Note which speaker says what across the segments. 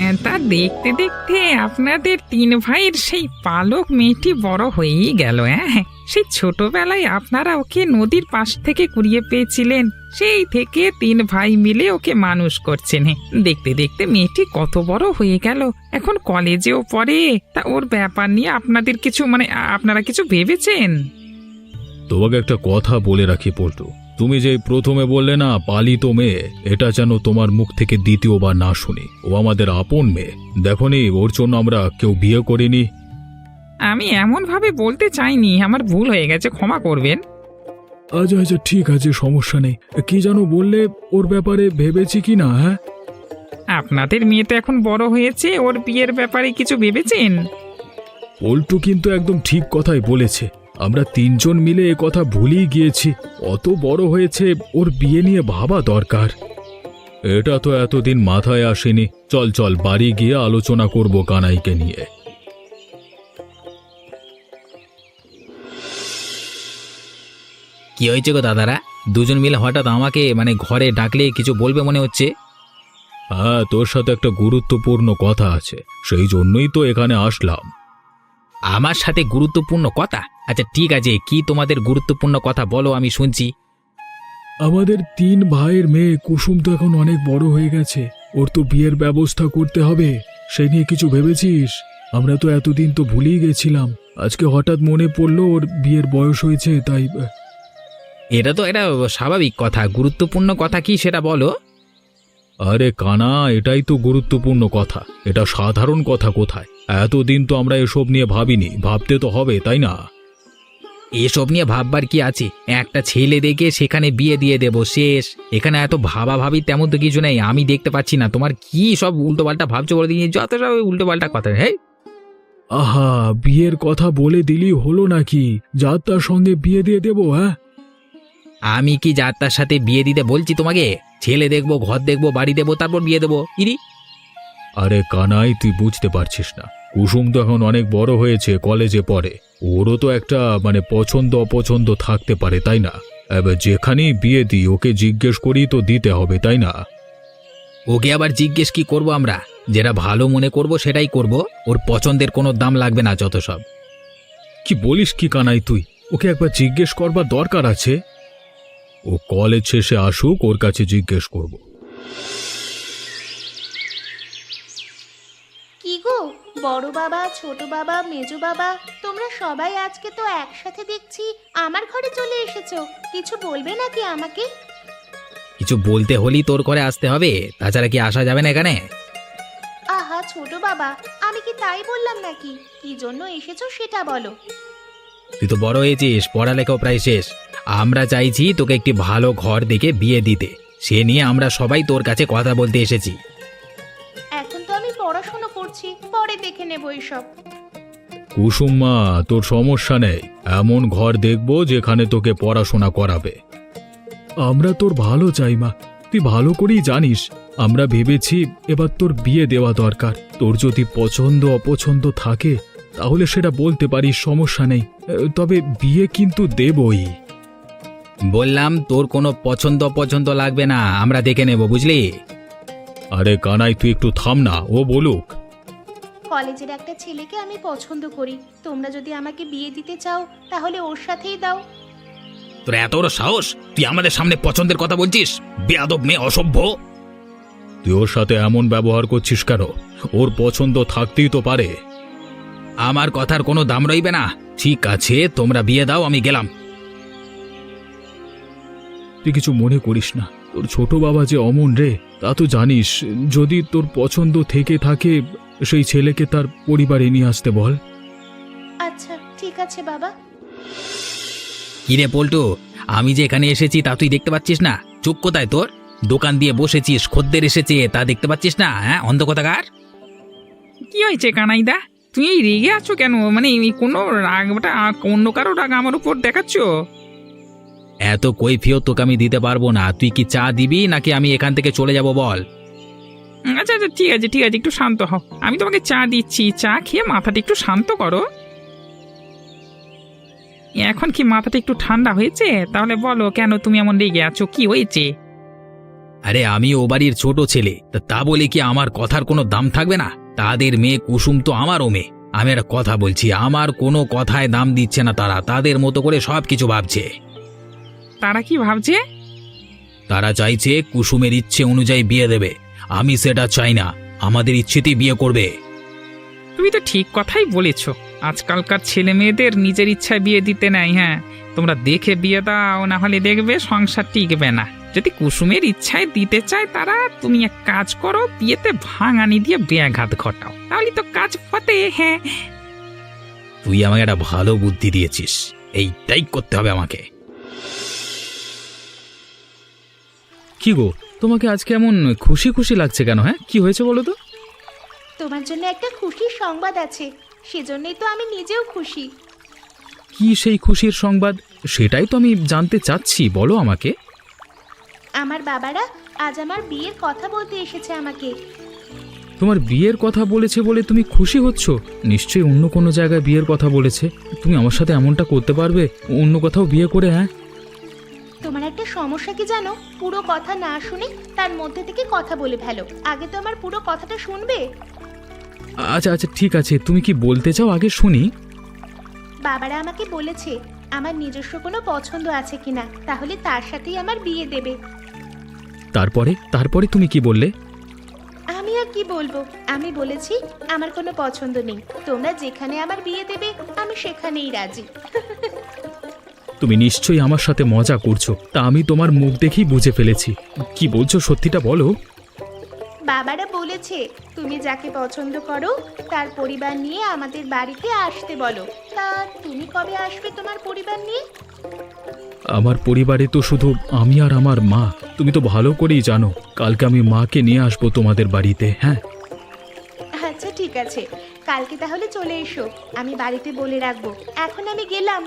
Speaker 1: তা দেখতে দেখতে আপনাদের তিন ভাইয়ের সেই পালক মেয়েটি বড় হয়েই গেল। হ্যাঁ, সেই ছোটবেলায় আপনারা ওকে নদীর পাশ থেকে কুড়িয়ে পেয়েছিলেন, সেই থেকে তিন ভাই মিলে ওকে মানুষ করছেন। দেখতে দেখতে মেয়েটি কত বড় হয়ে গেল, এখন কলেজেও পড়ে। তা ওর ব্যাপার নিয়ে আপনাদের কিছু আপনারা কিছু ভেবেছেন?
Speaker 2: তোমাকে একটা কথা বলে রাখি পল্টু, তুমি যে প্রথমে বললে না পালিত মেয়ে, এটা যেন তোমার মুখ থেকে দ্বিতীয়বার না শুনি। ও আমাদের আপন মেয়ে, দেখোনি ওর জন্য আমরা কেউ বিয়ে করিনি।
Speaker 1: আমি এমন ভাবে বলতে চাইনি, আমার ভুল হয়ে গেছে, ক্ষমা করবেন।
Speaker 2: আচ্ছা আচ্ছা ঠিক আছে, সমস্যা নেই। কি যেন বললে, ওর ব্যাপারে ভেবেছি কি না? হ্যাঁ,
Speaker 1: আপনাদের মেয়ে তো এখন বড় হয়েছে, ওর বিয়ের ব্যাপারে কিছু ভেবেছেন?
Speaker 2: পল্টু কিন্তু একদম ঠিক কথাই বলেছে। আমরা তিনজন মিলে এ কথা ভুলেই গিয়েছি। অত বড় হয়েছে, ওর বিয়ে নিয়ে ভাবা দরকার। এটা তো এতদিন মাথায় আসেনি। চল চল বাড়ি গিয়ে আলোচনা করব কানাইকে নিয়ে।
Speaker 3: কি হয়েছে গো দাদারা? দুজন মিলে হঠাৎ আমাকে ঘরে ডাকলে কিছু বলবে মনে হচ্ছে।
Speaker 2: হ্যাঁ, তোর সাথে একটা গুরুত্বপূর্ণ কথা আছে, সেই জন্যই তো এখানে আসলাম।
Speaker 3: আমার সাথে গুরুত্বপূর্ণ কথা? আচ্ছা ঠিক আছে, কি তোমাদের গুরুত্বপূর্ণ কথা বলো, আমি শুনছি।
Speaker 2: আমাদের তিন ভাইয়ের মেয়ে কুসুম তো এখন অনেক বড় হয়ে গেছে, ওর তো বিয়ের ব্যবস্থা করতে হবে। সেই নিয়ে কিছু ভেবেছিস? আমরা তো এতদিন তো ভুলেই গেছিলাম, আজকে হঠাৎ মনে পড়লো ওর বিয়ের বয়স হয়েছে, তাই।
Speaker 3: এটা তো এটা স্বাভাবিক কথা, গুরুত্বপূর্ণ কথা কি সেটা বলো।
Speaker 2: আরে কানা, এটাই তো গুরুত্বপূর্ণ কথা, এটা সাধারণ কথা কোথায়? এতদিন তো আমরা এসব নিয়ে ভাবিনি, ভাবতে তো হবে, তাই না?
Speaker 3: এসব নিয়ে ভাববার কি আছে? একটা ছেলে দেখে সেখানে বিয়ে দিয়ে দেবো, শেষ। এখানে এত ভাবাভাবি তেমন তো কিছু নেই। আমি দেখতে পাচ্ছি না তোমার কি সব উল্টোপাল্টা ভাবছো, বলে দিয়ে যত সব উল্টোপাল্টা কথা। হ্যাঁ,
Speaker 2: আহা, বিয়ের কথা বলে দিলি হলো নাকি? যার তার সঙ্গে বিয়ে দিয়ে দেবো? হ্যাঁ,
Speaker 3: আমি কি যার তার সাথে বিয়ে দিতে বলছি তোমাকে? ছেলে দেখবো, ঘর দেখবো, বাড়ি দেবো, তারপর বিয়ে দেবো। ইরি,
Speaker 2: আরে কানাই, তুই বুঝতে পারছিস না? কুসুম তো এখন অনেক বড় হয়েছে, কলেজে পড়ে। ওরও তো একটা পছন্দ অপছন্দ থাকতে পারে, তাই না? এবার যেখানেই বিয়ে দিই ওকে জিজ্ঞেস করি তো দিতে হবে, তাই না?
Speaker 3: ওকে আবার জিজ্ঞেস কি করব? আমরা যেটা ভালো মনে করব সেটাই করব। ওর পছন্দের কোনো দাম লাগবে না, যত সব।
Speaker 2: কি বলিস কি কানাই তুই? ওকে একবার জিজ্ঞেস করবার দরকার আছে। ও কলেজ শেষে আসুক, ওর কাছে জিজ্ঞেস করব।
Speaker 4: কি গো, বড় বাবা, ছোট বাবা, মেজো বাবা, তোমরা সবাই আজকে তো একসাথে দেখছি আমার ঘরে চলে এসেছো। কিছু বলবে নাকি আমাকে?
Speaker 3: কিছু বলতে হলেই তোর ঘরে আসতে হবে, তাছাড়া কি আসা যাবে না এখানে?
Speaker 4: আহা ছোট বাবা, আমি কি তাই বললাম নাকি? কি জন্য এসেছো সেটা বলো।
Speaker 3: তুই তো বড় হয়েছিস, পড়ালেখাও প্রায় শেষ। আমরা চাইছি তোকে একটি ভালো ঘর দেখে বিয়ে দিতে, সে নিয়ে আমরা সবাই তোর কাছে কথা বলতে এসেছি।
Speaker 4: এখন তো আমি পড়াশোনা করছি, পরে দেখে নেবো এসব।
Speaker 2: কুসুম মা, তোর সমস্যা নেই, এমন ঘর দেখব যেখানে তোকে পড়াশোনা করাবে। আমরা তোর ভালো চাই মা, তুই ভালো করেই জানিস। আমরা ভেবেছি এবার তোর বিয়ে দেওয়া দরকার। তোর যদি পছন্দ অপছন্দ থাকে তাহলে সেটা বলতে পারিস, সমস্যা নেই। তবে বিয়ে কিন্তু দেবই।
Speaker 3: বললাম তোর কোনো পছন্দ অপছন্দ লাগবে না, আমরা দেখে নেব, বুঝলি?
Speaker 2: আরে কানাই, তুই একটু থাম না, ও বলুক।
Speaker 4: কলেজের একটা ছেলেকে আমি পছন্দ করি, তোমরা যদি আমাকে বিয়ে দিতে চাও তাহলে ওর সাথেই দাও।
Speaker 3: তোর এত বড় সাহস, তুই আমাদের সামনে পছন্দের কথা বলছিস? বেয়াদব মেয়ে, অসভ্য!
Speaker 2: তুই ওর সাথে এমন ব্যবহার করছিস কেন? ওর পছন্দ থাকতেই তো পারে।
Speaker 3: আমার কথার কোনো দাম রইবে না। ঠিক আছে, তোমরা বিয়ে দাও, আমি গেলাম।
Speaker 2: তুই কিছু মনে করিস না, তোর ছোট বাবা যে অমন রে, তা তো জানিস। যদি তোর পছন্দ থেকে থাকে সেই ছেলেকে তার পরিবারে নিয়ে আসতে বল।
Speaker 4: আচ্ছা ঠিক আছে বাবা।
Speaker 3: কিরে পল্টু, আমি যে এখানে এসেছি তা তুই দেখতে পাচ্ছিস না? চোখ কোথায় তোর? দোকান দিয়ে বসেছিস, খদ্দের এসেছে, তা দেখতে পাচ্ছিস না? হ্যাঁ, অন্ধ কথাকার।
Speaker 1: কি হয়েছে কানাইদা? তুই এই রেগে আছো কেন? এই কোনো রাগটা, অন্য কারো রাগ আমার উপর দেখাচ্ছ?
Speaker 3: এত কৈফিয়ত তোকে আমি দিতে পারবো না। তুই কি চা দিবি নাকি আমি এখান থেকে চলে যাব বল?
Speaker 1: আচ্ছা আচ্ছা ঠিক আছে ঠিক আছে, একটু শান্ত হও, আমি তোমাকে চা দিচ্ছি। চা খেয়ে মাথাটা একটু শান্ত করো। এখন কি মাথাটা একটু ঠান্ডা হয়েছে? তাহলে বলো, কেন তুমি এমন রেগে আছো, কি হয়েছে?
Speaker 3: আরে আমি ও বাড়ির ছোট ছেলে, তা বলে কি আমার কথার কোনো দাম থাকবে না? তাদের মেয়ে কুসুম তো আমারও মেয়ে। আমি একটা কথা বলছি, আমার কোনো কথায় দাম দিচ্ছে না তারা, তাদের মতো করে সব কিছু ভাবছে।
Speaker 1: তারা কি ভাবছে?
Speaker 3: তারা চাইছে কুসুমের ইচ্ছে অনুযায়ী বিয়ে দেবে। আমি সেটা চাই না, আমাদের ইচ্ছেতেই বিয়ে করবে।
Speaker 1: তুমি তো ঠিক কথাই বলেছ। আজকালকার ছেলে মেয়েদের নিজের ইচ্ছায় বিয়ে দিতে নাই। হ্যাঁ, তোমরা দেখে বিয়ে দাও, না হলে দেখবে সংসার টিকবে না। যদি কুসুমের ইচ্ছায় দিতে চায় তারা, তুমি এক কাজ করো, বিয়েতে ভাঙানি দিয়ে ব্যাঘাত ঘটাও, তাহলে তো কাজ ফতে। হ্যাঁ,
Speaker 3: তুই আমাকে একটা ভালো বুদ্ধি দিয়েছিস, এইটাই করতে হবে আমাকে।
Speaker 2: কি গো, তোমাকে আজকে এমন খুশি খুশি লাগছে কেন? হ্যাঁ, কি হয়েছে বলো তো?
Speaker 4: তোমার জন্য একটা খুশির সংবাদ আছে, সেজন্যই তো আমি নিজেও খুশি।
Speaker 2: কি সেই খুশির সংবাদ? সেটাই তো আমি জানতে চাচ্ছি, বলো আমাকে।
Speaker 4: আমার বাবারা আজ আমার বিয়ের কথা বলতে এসেছে আমাকে।
Speaker 2: তোমার বিয়ের কথা বলেছে বলে তুমি খুশি হচ্ছ? নিশ্চয়ই অন্য কোনো জায়গায় বিয়ের কথা বলেছে। তুমি আমার সাথে এমনটা করতে পারবে, অন্য কোথাও বিয়ে করে? হ্যাঁ,
Speaker 4: তোমার একটা সমস্যা কি জানো? পুরো কথা না শুনে তার মধ্যে থেকে কথা বলে ফেলো। আগে তো আমার পুরো কথাটা শুনবে।
Speaker 2: আচ্ছা আচ্ছা, ঠিক আছে, তুমি কি বলতে চাও আগে শুনি।
Speaker 4: বাবারা আমাকে বলেছে আমার নিজস্ব কোনো পছন্দ আছে কিনা, তাহলে তার সাথেই আমার বিয়ে দেবে।
Speaker 2: তারপরে তারপরে তুমি কি বললে?
Speaker 4: আমি আর কি বলবো, আমি বলেছি আমার কোনো পছন্দ নেই, তোমরা যেখানে আমার বিয়ে দেবে আমি সেখানেই রাজি।
Speaker 2: তুমি নিশ্চয়ই আমার সাথে মজা করছো, তা আমি তোমার মুখ দেখেই বুঝে ফেলেছি। কি বলছো, সত্যিটা বলো।
Speaker 4: বাবারা বলেছে তুমি যাকে পছন্দ করো তার পরিবার নিয়ে আমাদের বাড়িতে আসতে বলো। তা তুমি কবে আসবে তোমার পরিবার নিয়ে?
Speaker 2: আমার পরিবারে তো শুধু আমি আর আমার মা। তুমি তো ভালো করেই জানো, কালকে আমি মাকে নিয়ে আসবো তোমাদের বাড়িতে। হ্যাঁ,
Speaker 4: আচ্ছা ঠিক আছে, কালকে তাহলে চলে এসো, আমি বাড়িতে বলে রাখবো। এখন আমি গেলাম।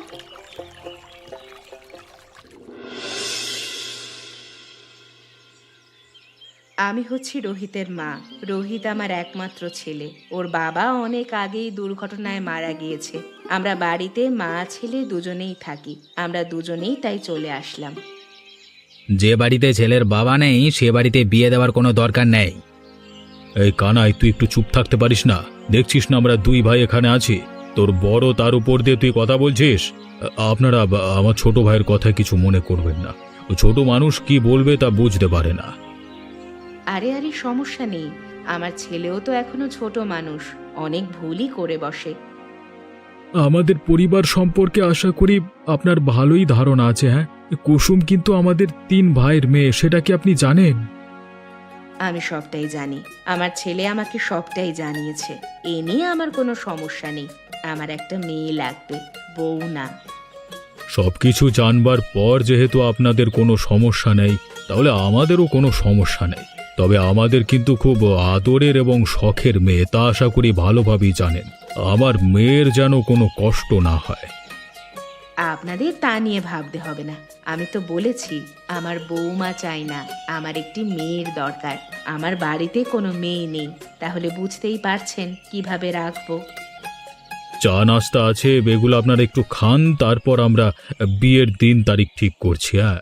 Speaker 5: আমি হচ্ছি রোহিতের মা। রোহিত আমার একমাত্র ছেলে। ওর বাবা অনেক আগেই দুর্ঘটনায় মারা গিয়েছে। আমরা বাড়িতে মা ছেলে দুজনেই থাকি। আমরা দুজনেই তাই চলে আসলাম।
Speaker 3: যে বাড়িতে ছেলের বাবা নেই সে বাড়িতে বিয়ে দেওয়ার কোনো দরকার নেই।
Speaker 2: এই কানাই, তুই একটু চুপ থাকতে পারিস না? দেখছিস না আমরা দুই ভাই এখানে আছি, তোর বড় তার উপর দিয়ে তুই কথা বলছিস। আপনারা আমার ছোট ভাইয়ের কথা কিছু মনে করবেন না, ও ছোট মানুষ কি বলবে তা বুঝতে পারে না।
Speaker 5: আরে আরে, সমস্যা নেই। আমার ছেলেও তো এখনো ছোট মানুষ, অনেক ভুলই করে বসে।
Speaker 2: আমাদের পরিবার সম্পর্কে আশা করি আপনার ভালোই ধারণা আছে। হ্যাঁ, কুসুম কিন্তু আমাদের 3 ভাইয়ের মেয়ে, সেটা কি আপনি জানেন?
Speaker 5: আমি সবটাই জানি। আমার ছেলে আমাকে সবটাই জানিয়েছে। এ নিয়ে আমার কোনো সমস্যা নেই। আমার একটা মেয়ে লাগবে, বউ না।
Speaker 2: সবকিছু জানবার পর যেহেতু আপনাদের কোনো সমস্যা নেই, তাহলে আমাদেরও কোনো সমস্যা নেই। তবে আমাদের কিন্তু খুব আদরের এবং শখের মেয়ে, তা আশা করি ভালোভাবেই জানেন। আমার মেয়ের যেন কোনো কষ্ট না হয়।
Speaker 5: আপনাদের তা নিয়ে ভাবতে হবে না। আমি তো বলেছি আমার বৌমা চাই না, আমার একটি মেয়ের দরকার। আমার বাড়িতে কোনো মেয়ে নেই, তাহলে বুঝতেই পারছেন কিভাবে রাখবো।
Speaker 2: চা নাস্তা আছে, এগুলো আপনারা একটু খান, তারপর আমরা বিয়ের দিন তারিখ ঠিক করছি। হ্যাঁ,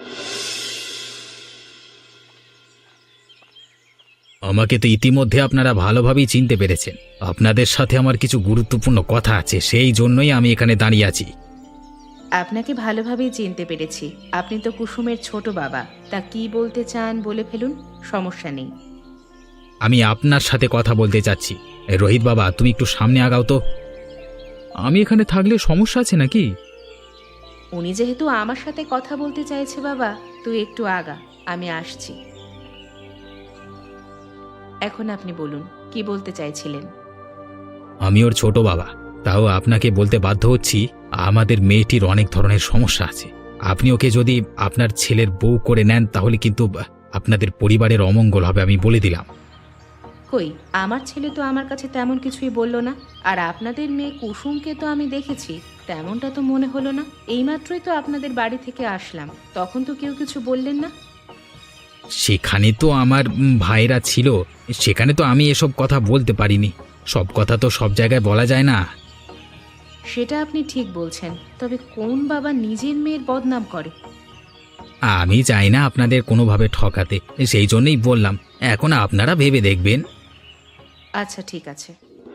Speaker 3: আমাকে তো ইতিমধ্যে আপনারা ভালোভাবেই চিনতে পেরেছেন। আপনাদের সাথে আমার কিছু গুরুত্বপূর্ণ কথা আছে, সেই জন্যই আমি এখানে দাঁড়িয়ে আছি।
Speaker 5: আপনাকে ভালোভাবেই চিনতে পেরেছি। আপনি তো কুসুমের ছোট বাবা। তা কি বলতে চান বলে ফেলুন, সমস্যা নেই।
Speaker 3: আমি আপনার সাথে কথা বলতে চাচ্ছি। রোহিত বাবা, তুমি একটু সামনে আগাও তো।
Speaker 2: আমি এখানে থাকলে সমস্যা আছে নাকি?
Speaker 5: উনি যেহেতু আমার সাথে কথা বলতে চাইছে, বাবা তুই একটু আগা, আমি আসছি। এখন আপনি বলুন, কি বলতে চাইছিলেন?
Speaker 3: আমি ওর ছোট বাবা, তাও আপনাকে বলতে বাধ্য হচ্ছি, আমাদের মেয়েটির অনেক ধরনের সমস্যা আছে। আপনি ওকে যদি আপনার ছেলের বউ করে নেন তাহলে কিন্তু আপনাদের পরিবারের অমঙ্গল হবে, আমি বলে দিলাম।
Speaker 5: কই, আমার ছেলে তো আমার কাছে তেমন কিছুই বলল না। আর আপনাদের মেয়ে কুসুমকে তো আমি দেখেছি, তেমনটা তো মনে হলো না। এইমাত্রই তো আপনাদের বাড়ি থেকে আসলাম, তখন তো কেউ কিছু বললেন না।
Speaker 3: সেখানে তো আমার ভাইরা ছিল, সেখানে তো আমি এসব কথা বলতে পারিনি। সব কথা তো সব জায়গায় বলা যায় না।
Speaker 5: সেটা আপনি ঠিক বলছেন, তবে কোন বাবা নিজের মেয়ের বদনাম করে?
Speaker 3: আমি চাই না আপনাদের কোনোভাবে ঠকাতে, সেই জন্যই বললাম। এখন আপনারা ভেবে দেখবেন।
Speaker 5: আচ্ছা ঠিক আছে,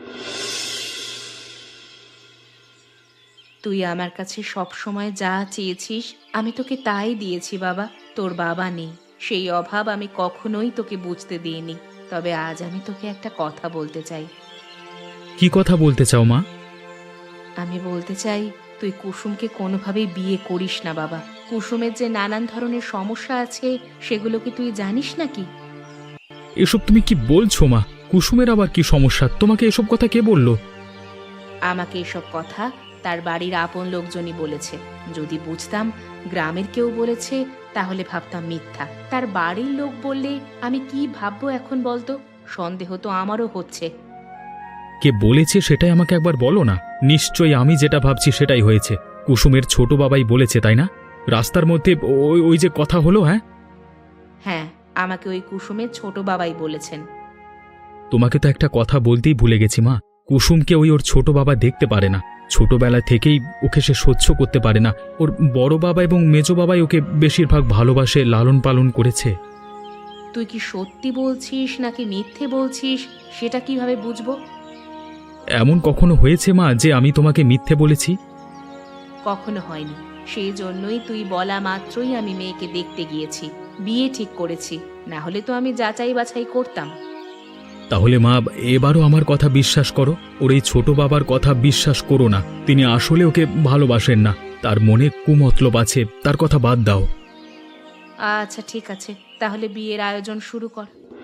Speaker 5: তুই আমার কাছে সব সময় যা চেয়েছিস আমি তোকে তাই দিয়েছি বাবা। তোর বাবা নেই, সেই অভাব আমি কখনোই তোকে বুঝতে দিইনি। তবে আজ আমি তোকে একটা কথা বলতে চাই।
Speaker 2: কি কথা বলতে চাও মা?
Speaker 5: আমি বলতে চাই, তুই কুসুমকে কোনোভাবেই বিয়ে করিস না বাবা। কুসুমের যে নানান ধরনের সমস্যা আছে সেগুলো কি তুই জানিস নাকি?
Speaker 2: এসব তুমি কি বলছো মা? কুসুমের আবার কি সমস্যা? তোমাকে এসব কথা কে বললো?
Speaker 5: আমাকে এসব কথা তার বাড়ির আপন লোকজনই বলেছে। যদি বুঝতাম গ্রামের কেউ বলেছে তাহলে ভাবতাম মিথ্যা। তার বাড়ির লোক বললে আমি কি ভাববো এখন বলতো? সন্দেহ তো আমারও হচ্ছে।
Speaker 2: কে বলেছে সেটাই আমাকে একবার বলো না। নিশ্চয়ই আমি যেটা ভাবছি সেটাই হয়েছে। কুসুমের ছোট বাবাই বলেছে, তাই না? রাস্তার মধ্যে ওই ওই যে কথা হলো। হ্যাঁ
Speaker 5: হ্যাঁ, আমাকে ওই কুসুমের ছোট বাবাই বলেছেন।
Speaker 2: তোমাকে তো একটা কথা বলতেই ভুলে গেছি মা। কুসুমকে ওর ছোট বাবা দেখতে পারে না। ছোটবেলা থেকেই ওকে সে সহ্য করতে পারে না। ওর বড় বাবা এবং মেজো বাবাই ওকে বেশিরভাগ ভালোবাসে, লালন পালন করেছে।
Speaker 5: তুই কি সত্যি বলছিস নাকি মিথ্যে বলছিস সেটা কিভাবে বুঝবো?
Speaker 2: এমন কখনো হয়েছে মা যে আমি তোমাকে মিথ্যে বলেছি?
Speaker 5: কখনো হয়নি। সেই জন্যই তুই বলা মাত্রই আমি মেয়েকে দেখতে গিয়েছি, বিয়ে ঠিক করেছি। না হলে তো আমি যাচাই বাছাই করতাম।
Speaker 2: তাহলে মা, এবারও আমার কথা বিশ্বাস করো। ওর এই ছোট বাবার কথা বিশ্বাস করো না। তিনি আসলে ওকে ভালোবাসেন না। তার মনে কুমতলব আছে, তার কথা বাদ দাও।
Speaker 5: আচ্ছা ঠিক আছে, তাহলে বিয়ের আয়োজন শুরু কর।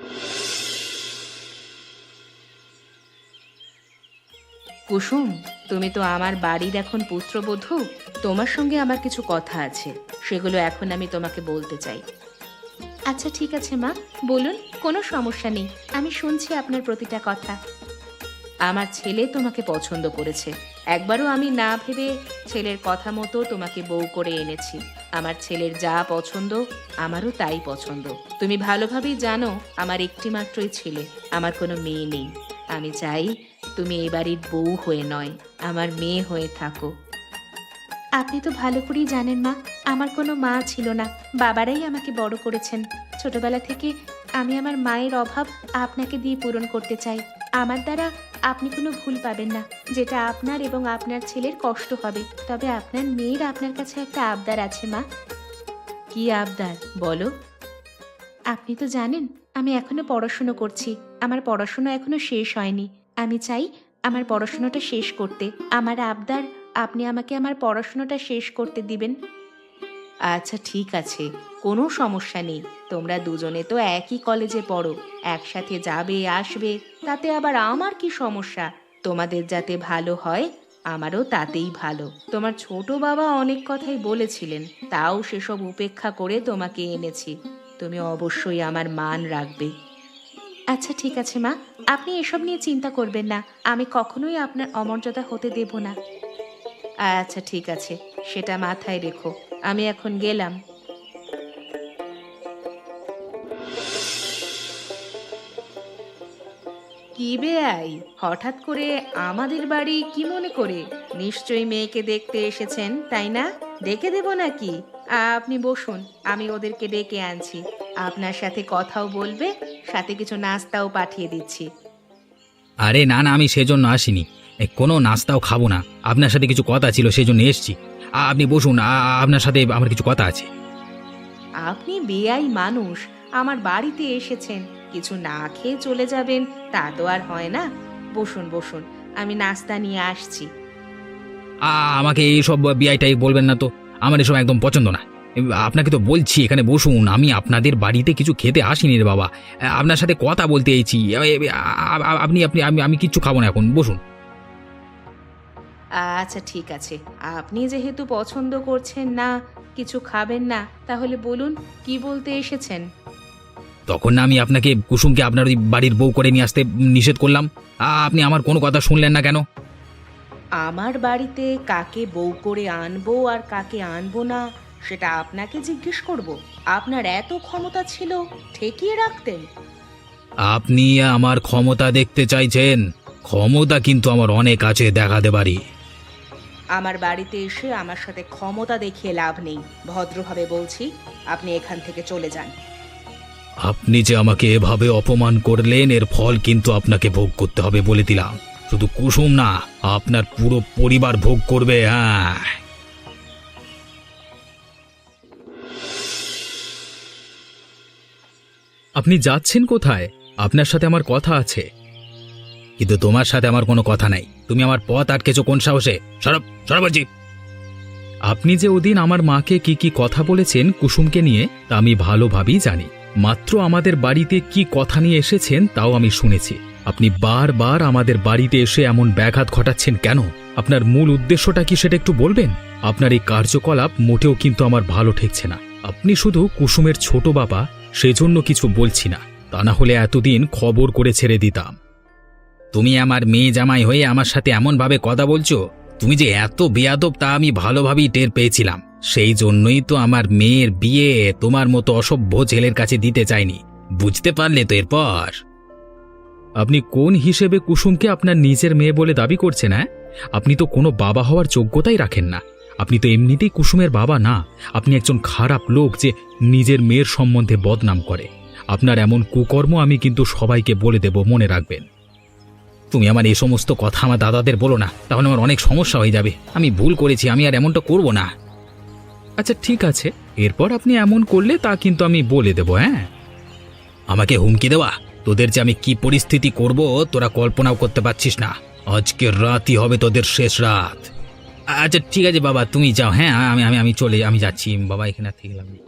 Speaker 5: কুসুম, তুমি তো আমার বাড়ির এখন পুত্রবধূ। তোমার সঙ্গে আমার কিছু কথা আছে, সেগুলো এখন আমি তোমাকে বলতে চাই। আচ্ছা ঠিক আছে মা, বলুন, কোনো সমস্যা নেই। আমি শুনছি আপনার প্রতিটা কথা। আমার ছেলে তোমাকে পছন্দ করেছে। একবারও আমি না ভেবে ছেলের কথা মতো তোমাকে বউ করে এনেছি। আমার ছেলের যা পছন্দ আমারও তাই পছন্দ। তুমি ভালোভাবেই জানো আমার একটি মাত্রই ছেলে, আমার কোনো মেয়ে নেই। আমি চাই তুমি এ বাড়ির বউ হয়ে নয়, আমার মেয়ে হয়ে থাকো। আপনি তো ভালো করেই জানেন মা, আমার কোনো মা ছিল না। বাবারাই আমাকে বড় করেছেন। ছোটবেলা থেকে আমি আমার মায়ের অভাব আপনাকে দিয়ে পূরণ করতে চাই। আমার দ্বারা আপনি কোনো ভুল পাবেন না, যেটা আপনার এবং আপনার ছেলের কষ্ট হবে। তবে আপনার মেয়ের আপনার কাছে একটা আবদার আছে মা। কি আবদার বলো? আপনি তো জানেন আমি এখনো পড়াশুনো করছি। আমার পড়াশুনো এখনো শেষ হয়নি। আমি চাই আমার পড়াশুনোটা শেষ করতে। আমার আবদার, আপনি আমাকে আমার পড়াশুনোটা শেষ করতে দিবেন। আচ্ছা ঠিক আছে, কোনো সমস্যা নেই। তোমরা দুজনে তো একই কলেজে পড়ো, একসাথে যাবে আসবে, তাতে আবার আমার কি সমস্যা? তোমাদের যাতে ভালো হয় আমারও তাতেই ভালো। তোমার ছোট বাবা অনেক কথাই বলেছিলেন, তাও সেসব উপেক্ষা করে তোমাকে এনেছি। তুমি অবশ্যই আমার মান রাখবে। আচ্ছা ঠিক আছে মা, আপনি এসব নিয়ে চিন্তা করবেন না। আমি কখনোই আপনার অমর্যাদা হতে দেব না। আচ্ছা ঠিক আছে, সেটা মাথায় রেখো। আমি এখন গেলাম। কি বেয়াই, হঠাৎ করে আমাদের বাড়ি কি মনে করে? নিশ্চয়ই মেয়েকে দেখতে এসেছেন, তাই না? ডেকে দেব নাকি? আপনি বসুন, আমি ওদেরকে ডেকে আনছি। আপনার সাথে কথাও বলবে, সাথে কিছু নাস্তাও পাঠিয়ে দিচ্ছি।
Speaker 3: আরে না না, আমি সেজন্য আসিনি। কোনো নাস্তাও খাবো না। আপনার সাথে কিছু কথা ছিল, সেজন্য এসেছি। আপনি বসুন, আপনার সাথে আমার কিছু কথা আছে।
Speaker 5: আপনি বেয়াই মানুষ, আমার বাড়িতে এসেছেন, কিছু না খেয়ে চলে যাবেন তা তো আর হয় না। বসুন বসুন, আমি নাস্তা নিয়ে আসছি।
Speaker 3: আমাকে এইসব বিআইটাই বলবেন না তো, আমার এসব একদম পছন্দ না। আপনাকে তো বলছি এখানে বসুন, আমি আপনাদের বাড়িতে কিছু খেতে আসিনি রে বাবা, আপনার সাথে কথা বলতে এসেছি। আপনি আপনি আমি আমি কিচ্ছু খাবো না, এখন বসুন।
Speaker 5: আচ্ছা ঠিক আছে, আপনি যেহেতু পছন্দ করছেন না, কিছু খাবেন না, তাহলে বলুন কি বলতে এসেছেন।
Speaker 3: তখন না আমি আপনাকে কুসুমকে আপনার ওই বাড়ির বউ করে নিয়ে আসতে নিষেধ করলাম, আপনি আমার কোনো কথা শুনলেন না কেন?
Speaker 5: আমার বাড়িতে কাকে বউ করে আনবো আর কাকে আনবো না সেটা আপনাকে জিজ্ঞেস করব? আপনার এত ক্ষমতা ছিল, ঠেকিয়ে রাখতেন।
Speaker 3: আপনি আমার ক্ষমতা দেখতে চাইছেন? ক্ষমতা কিন্তু আমার অনেক আছে, দেখাতে পারি।
Speaker 5: আমার বাড়িতে এসে আমার সাথে ক্ষমতা দেখিয়ে লাভ নেই। ভদ্রভাবে বলছি, আপনি এখান থেকে চলে যান।
Speaker 2: আপনি যে আমাকে এভাবে অপমান করলেন এর ফল কিন্তু আপনাকে ভোগ করতে হবে বলে দিলাম। শুধু কুসুম না, আপনার পুরো পরিবার ভোগ করবে। হ্যাঁ,
Speaker 3: আপনি যাচ্ছেন কোথায়? আপনার সাথে আমার কথা আছে।
Speaker 2: কিন্তু তোমার সাথে আমার কোনো কথা নাই। তুমি আমার পথ আটকেছো কোন সাহসে? সরব সরব বলছি।
Speaker 3: আপনি যে ওদিন আমার মাকে কি কি কথা বলেছেন কুসুমকে নিয়ে তা আমি ভালোভাবেই জানি। মাত্র আমাদের বাড়িতে কি কথা নিয়ে এসেছেন তাও আমি শুনেছি। আপনি বারবার আমাদের বাড়িতে এসে এমন ব্যাঘাত ঘটাচ্ছেন কেন? আপনার মূল উদ্দেশ্যটা কি সেটা একটু বলবেন? আপনার এই কার্যকলাপ মোটেও কিন্তু আমার ভালো ঠেকছে না। আপনি শুধু কুসুমের ছোট বাবা, সেজন্য কিছু বলছি না, তা না হলে এতদিন খবর করে ছেড়ে দিতাম।
Speaker 2: তুমি আমার মেয়ে জামাই হয়ে আমার সাথে এমনভাবে কথা বলছো? তুমি যে এত বেয়াদব তা আমি ভালোভাবেই টের পেয়েছিলাম। সেই জন্যই তো আমার মেয়ের বিয়ে তোমার মতো অসভ্য ছেলের কাছে দিতে চাইনি। বুঝতে পারলে তো এরপর?
Speaker 3: আপনি কোন হিসেবে কুসুমকে আপনার নিজের মেয়ে বলে দাবি করছেন? হ্যাঁ, আপনি তো কোনো বাবা হওয়ার যোগ্যতাই রাখেন না। আপনি তো এমনিতেই কুসুমের বাবা না। আপনি একজন খারাপ লোক যে নিজের মেয়ের সম্বন্ধে বদনাম করে। আপনার এমন কুকর্ম আমি কিন্তু সবাইকে বলে দেব, মনে রাখবেন।
Speaker 2: তুমি আমার এই সমস্ত কথা আমার দাদাদের বলো না, তাহলে আমার অনেক সমস্যা হয়ে যাবে। আমি ভুল করেছি, আমি আর এমনটা করব না।
Speaker 3: আচ্ছা ঠিক আছে, এরপর আপনি এমন করলে তা কিন্তু আমি বলে দেব। হ্যাঁ,
Speaker 2: আমাকে হুমকি দেওয়া? তোদের যে আমি কি পরিস্থিতি করব তোরা কল্পনাও করতে পারছিস না। আজকের রাতই হবে তোদের শেষ রাত।
Speaker 3: আচ্ছা ঠিক আছে বাবা, তুমি যাও। হ্যাঁ, আমি আমি যাচ্ছি বাবা, এখানে আর থেকে লাভ নেই।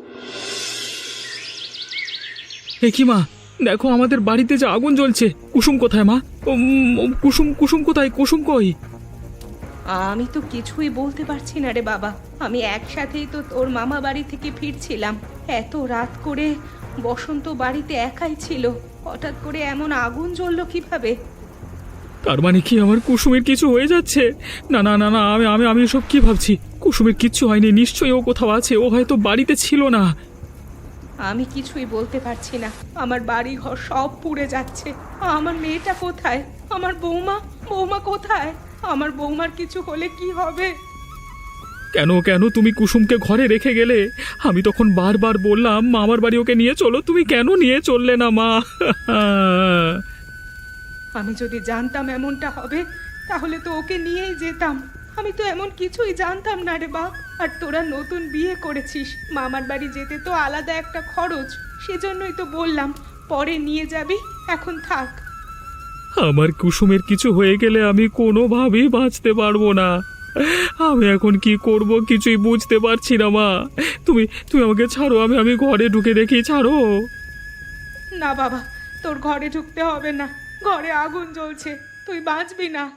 Speaker 3: এ কি মা, দেখো আমাদের বাড়িতে যে আগুন জ্বলছে। কুসুম কোথায় মা? কুসুম কোথায়? কুসুম কই?
Speaker 5: আমি তো কিছুই বলতে পারছি না রে বাবা। আমি একসাথেই তো তোর মামা বাড়ি থেকে ফিরছিলাম। এত রাত করে বসন্ত বাড়িতে একাই ছিল, হঠাৎ করে এমন আগুন জ্বললো কিভাবে?
Speaker 3: তার মানে কি আমার কুসুমের কিছু হয়ে যাচ্ছে? না না না না, আমি এসব কি ভাবছি? কুসুমের কিচ্ছু হয়নি, নিশ্চয়ই ও কোথাও আছে। ও হয়তো বাড়িতে ছিল না।
Speaker 5: আমি কিছুই বলতে পারছি না। আমার বাড়ি ঘর সব পুড়ে যাচ্ছে। আমার মেয়েটা কোথায়? আমার বৌমা কোথায়? আমার বৌমার কিছু হলে কি হবে?
Speaker 3: কেন কেন তুমি কুসুমকে ঘরে রেখে গেলে? আমি তখন বারবার বললাম মামার বাড়ি ওকে নিয়ে চলো, তুমি কেন নিয়ে চললে না মা?
Speaker 5: আমি যদি জানতাম এমনটা হবে তাহলে তো ওকে নিয়েই যেতাম। আমি তো এমন কিছুই জানতাম না রে বাপ। আর তোরা নতুন বিয়ে করেছিস, মামার বাড়ি যেতে তো আলাদা একটা খরচ, সেজন্যই তো বললাম পরে নিয়ে যাবি, এখন থাক।
Speaker 3: আমার কুসুমের কিছু হয়ে গেলে আমি কোনোভাবেই বাঁচতে পারবো না। আমি এখন কি করব কিছুই বুঝতে পারছি না মা। তুমি তুমি আমাকে ছাড়ো, আমি ঘরে ঢুকে দেখি, ছাড়ো।
Speaker 5: না বাবা, তোর ঘরে ঢুকতে হবে না। ঘরে আগুন জ্বলছে, তুই বাঁচবি না।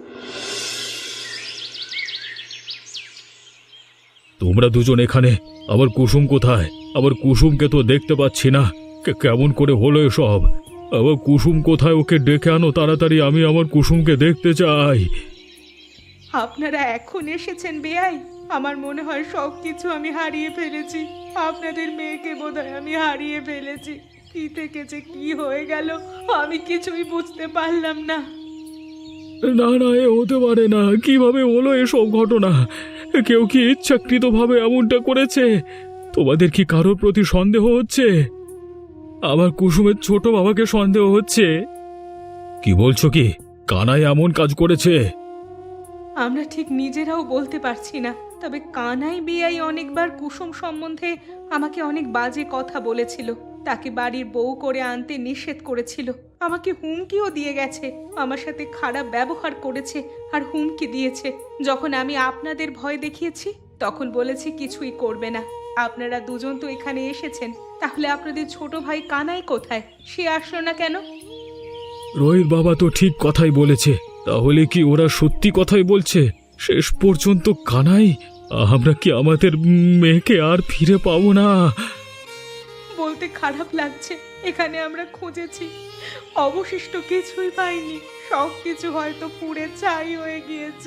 Speaker 2: তোমরা দুজন এখানে, আবার কুসুম কোথায়? আবার কুসুমকে তো দেখতে পাচ্ছি না। কেমন করে হলো এসব? আবার কুসুম কোথায়? ওকে ডেকে আনো তাড়াতাড়ি, আমি আমার কুসুমকে দেখতে চাই।
Speaker 5: আপনারা এখন এসেছেন বেয়াই? আমার মনে হয় সব কিছু আমি হারিয়ে ফেলেছি। আপনাদের মেয়েকে বোধহয় আমি হারিয়ে ফেলেছি। কি থেকে যে কি হয়ে গেল আমি কিছুই বুঝতে পারলাম না।
Speaker 2: না না, এ হতে পারে না। কিভাবে হলো এসব ঘটনা? কেউ কি ইচ্ছাকৃতভাবে এমনটা করেছে? তোমাদের কি কারোর প্রতি সন্দেহ হচ্ছে? আমার কুসুমের ছোট বাবাকে সন্দেহ হচ্ছে। কি বলছো কি? কানাই এমন কাজ করেছে?
Speaker 5: আমরা ঠিক নিজেরাও বলতে পারছি না, তবে কানাই বেয়াই অনেকবার কুসুম সম্বন্ধে আমাকে অনেক বাজে কথা বলেছিল। তাকে বাড়ির বউ করে আনতে নিষেধ করেছিল। আমাকে হুমকিও দিয়ে গেছে, আমার সাথে খারাপ ব্যবহার করেছে আর হুমকি দিয়েছে। যখন আমি আপনাদের ভয় দেখিয়েছি তখন বলেছে কিছুই করবে না। আপনারা দুজন তো এখানে এসেছেন, তাহলে আপনাদের ছোট ভাই কানাই কোথায়? সে আসলো না কেন?
Speaker 2: রোহিত বাবা তো ঠিক কথাই বলেছে। তাহলে কি ওরা সত্যি কথাই বলছে? শেষ পর্যন্ত কানাই? আমরা কি আমাদের মেয়েকে আর ফিরে পাবো না?
Speaker 5: বলতে খারাপ লাগছে, এখানে আমরা খুঁজেছি, অবশিষ্ট কিছুই পাইনি। সব কিছু হয়তো পুড়ে ছাই হয়ে গিয়েছে।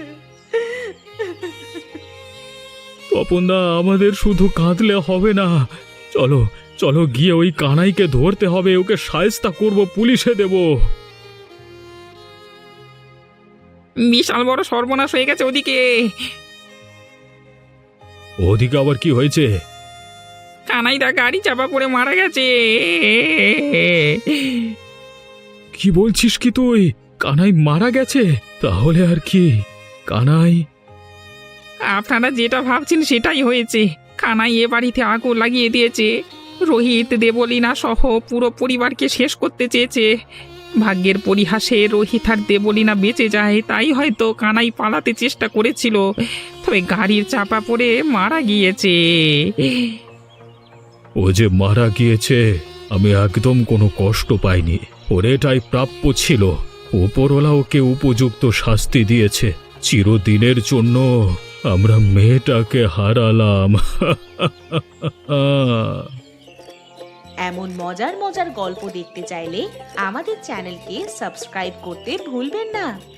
Speaker 2: তপনদা, আমাদের শুধু কাঁদলে হবে না। চলো চলো, গিয়ে ওই কানাইকে ধরতে হবে। ওকে শায়েস্তা করব, পুলিশে দেব।
Speaker 1: বিশাল বড় সর্বনাশ হয়ে গেছে ওদিকে।
Speaker 2: ওদিকে আবার কি হয়েছে?
Speaker 1: কানাইদা গাড়ি চাপা পড়ে মারা গেছে।
Speaker 2: কি বলছিস কি তুই? কানাই মারা গেছে? তাহলে আর কি? কানাই?
Speaker 1: আপনারা যেটা ভাবছেন সেটাই হয়েছে। কানাই এ বাড়িতে আগুন লাগিয়ে দিয়েছে। রোহিত, দেবলীনা সহ পুরো পরিবারকে শেষ করতে চেয়েছে। ভাগ্যের পরিহাসে রোহিত আর দেবলীনা বেঁচে যায়, তাই হয়তো কানাই পালাতে চেষ্টা করেছিল, তবে গাড়ির চাপা পড়ে মারা গিয়েছে।
Speaker 2: ও যে মারা গিয়েছে, আমি একদম কোনো কষ্ট পাইনি। ওর এটাই প্রাপ্য ছিল। উপরওয়ালা ওকে উপযুক্ত শাস্তি দিয়েছে। চিরদিনের জন্য আমরা মেয়েটাকে হারালাম।
Speaker 5: এমন মজার মজার গল্প দেখতে চাইলে আমাদের চ্যানেলকে সাবস্ক্রাইব করতে ভুলবেন না।